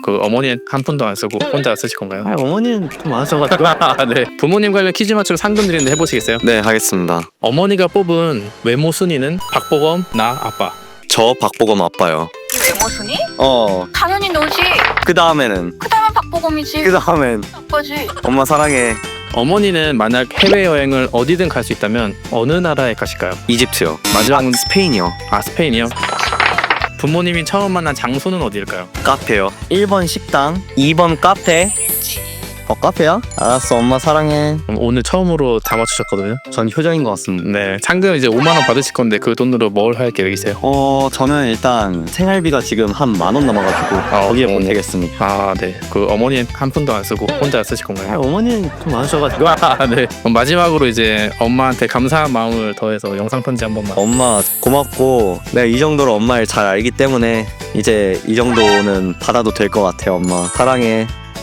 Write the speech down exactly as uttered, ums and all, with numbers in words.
그 어머니는 한 푼도 안 쓰고 혼자 쓰실 건가요? 아, 어머니는 돈 많으셔가지고. 아, 네. 부모님 관련 퀴즈 맞추고 상금 드리는데 해보시겠어요? 네, 하겠습니다. 어머니가 뽑은 외모 순위는 박보검, 나, 아빠. 저 박보검 아빠요. 외모 순위? 어, 당연히 너지. 그 다음에는 그 다음엔 박보검이지. 그 다음엔 아빠지. 엄마 사랑해. 어머니는 만약 해외여행을 어디든 갈 수 있다면 어느 나라에 가실까요? 이집트요. 마지막은 스페인이요. 아, 스페인이요? 부모님이 처음 만난 장소는 어디일까요? 카페요. 일 번 식당, 이 번 카페. 어, 카페야? 알았어, 엄마 사랑해. 그럼 오늘 처음으로 다 맞추셨거든요. 전 효정인 것 같습니다. 네, 상금 이제 오만 원 받으실 건데 그 돈으로 뭘 할 계획이세요? 어, 저는 일단 생활비가 지금 한 만 원 남아가지고 거기에 어, 보내겠습니다. 아, 네. 그 어머니는 한 푼도 안 쓰고 혼자 쓰실 아, 건가요? 어머니는 돈 많으셔가지고. 아, 네. 그럼 마지막으로 이제 엄마한테 감사한 마음을 더해서 영상 편지 한 번만. 엄마 고맙고 내가 이 정도로 엄마를 잘 알기 때문에 이제 이 정도는 받아도 될 것 같아요. 엄마 사랑해.